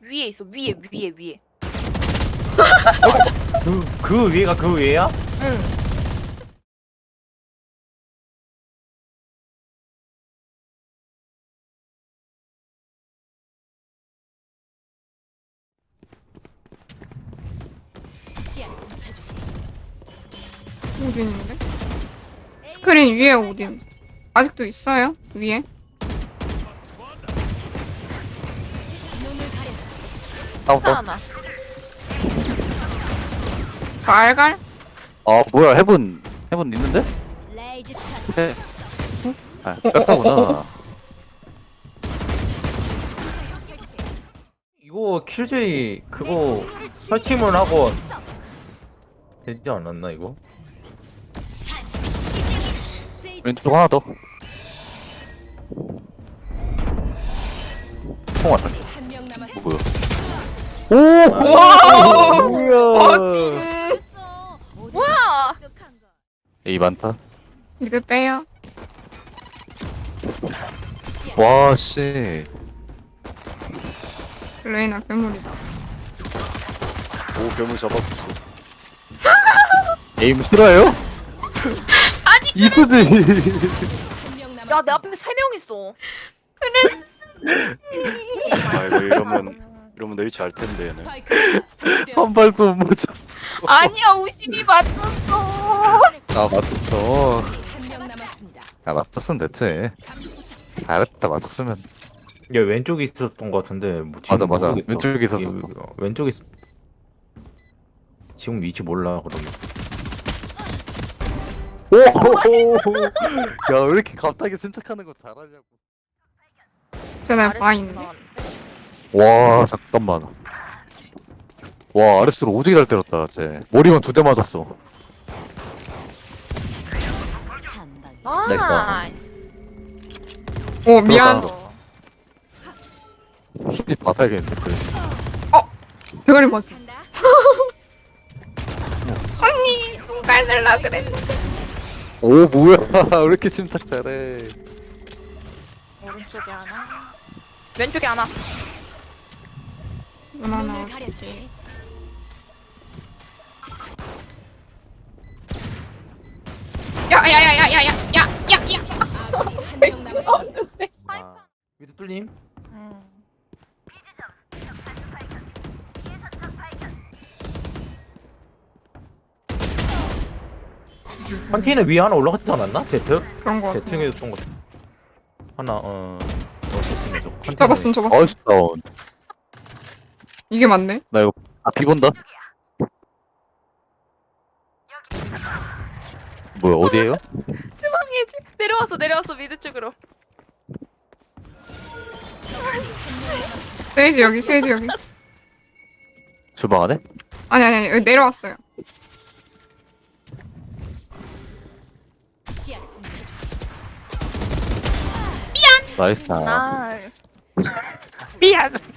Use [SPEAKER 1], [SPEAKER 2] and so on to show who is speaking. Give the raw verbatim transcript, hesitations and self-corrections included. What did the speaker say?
[SPEAKER 1] 위에 있어. 위에 위에 위에.
[SPEAKER 2] 그, 그 위에가 그 위에야?
[SPEAKER 1] 응.
[SPEAKER 3] 오딘인데? 스크린 위에 오딘. 아직도 있어요? 위에?
[SPEAKER 4] 다운다.
[SPEAKER 1] 하나.
[SPEAKER 3] 갈갈?
[SPEAKER 4] 아 뭐야 해븐 해븐 있는데? 해. 아 뺐구나.
[SPEAKER 2] 이거 킬제이 그거 설치문 하고 되지 않았나 이거?
[SPEAKER 4] 왼쪽 하나 더. 총 왔다. 뭐야? 오!
[SPEAKER 3] 와!
[SPEAKER 2] 뭐야?
[SPEAKER 3] 음,
[SPEAKER 1] 뭐야?
[SPEAKER 4] 에이 많다.
[SPEAKER 3] 이거 빼요.
[SPEAKER 4] 와 씨.
[SPEAKER 3] 레이나 괴물이다.
[SPEAKER 4] 오 괴물 잡았어. 에임 싫어요?
[SPEAKER 3] 아니
[SPEAKER 4] 이수지.
[SPEAKER 1] 야, 내 앞에 세 명 있어.
[SPEAKER 5] 아 이거 이러면 이러면 내 위치 알 텐데 얘는.
[SPEAKER 4] 한 발도 못 맞췄어.
[SPEAKER 3] 아니야 오십이 맞췄어.
[SPEAKER 4] 아 맞췄어. 야 맞췄으면 됐지. 잘했다 맞췄으면.
[SPEAKER 2] 얘 왼쪽에 있었던 것 같은데 뭐 지금
[SPEAKER 4] 맞아 맞아.
[SPEAKER 2] 모르겠다.
[SPEAKER 4] 왼쪽에 있었어.
[SPEAKER 2] 이- 어, 왼쪽에 있... 지금 위치 몰라 그러면.
[SPEAKER 4] 오! 야 왜 이렇게 갑자기 침착하는 거 잘하냐고.
[SPEAKER 3] 쟤네 봐 있네.
[SPEAKER 4] 와 잠깐만. 와 아레스로 오지게 잘 때렸다 쟤. 머리만 두 대 맞았어.
[SPEAKER 1] 아,
[SPEAKER 3] 오 미안.
[SPEAKER 4] 들어가. 힐 받아야겠는데 그래.
[SPEAKER 3] 대가리 맞어. 언니 눈깔 날라 그랬는데.
[SPEAKER 4] 오 뭐야 왜 이렇게 침착 잘해.
[SPEAKER 1] 오른쪽에 하나. 왼쪽에 하나.
[SPEAKER 3] 눈 하나 어딨지? 야야야야야야야야야.
[SPEAKER 2] 아, 위도 뚫림?
[SPEAKER 1] 응.
[SPEAKER 2] 컨테이너 위에 하나 올라갔지 않았나? 제트?
[SPEAKER 3] 그런 거 같아.
[SPEAKER 2] 제트에 있던 거 하나 어... 어 제트에서 컨테이너
[SPEAKER 3] 잡았음 잡았음.
[SPEAKER 4] 어이씨 다운.
[SPEAKER 3] 이게 맞네.
[SPEAKER 4] 나 이거 아 비본다. 뭐야 어디에요?
[SPEAKER 1] 주방에 내려왔어 내려왔어 미드 쪽으로.
[SPEAKER 3] 세이지 여기 세이지 여기.
[SPEAKER 4] 주방 안에?
[SPEAKER 3] 아니 아니 아니 여기 내려왔어요.
[SPEAKER 4] 나이스. 아.
[SPEAKER 1] 아. 미안.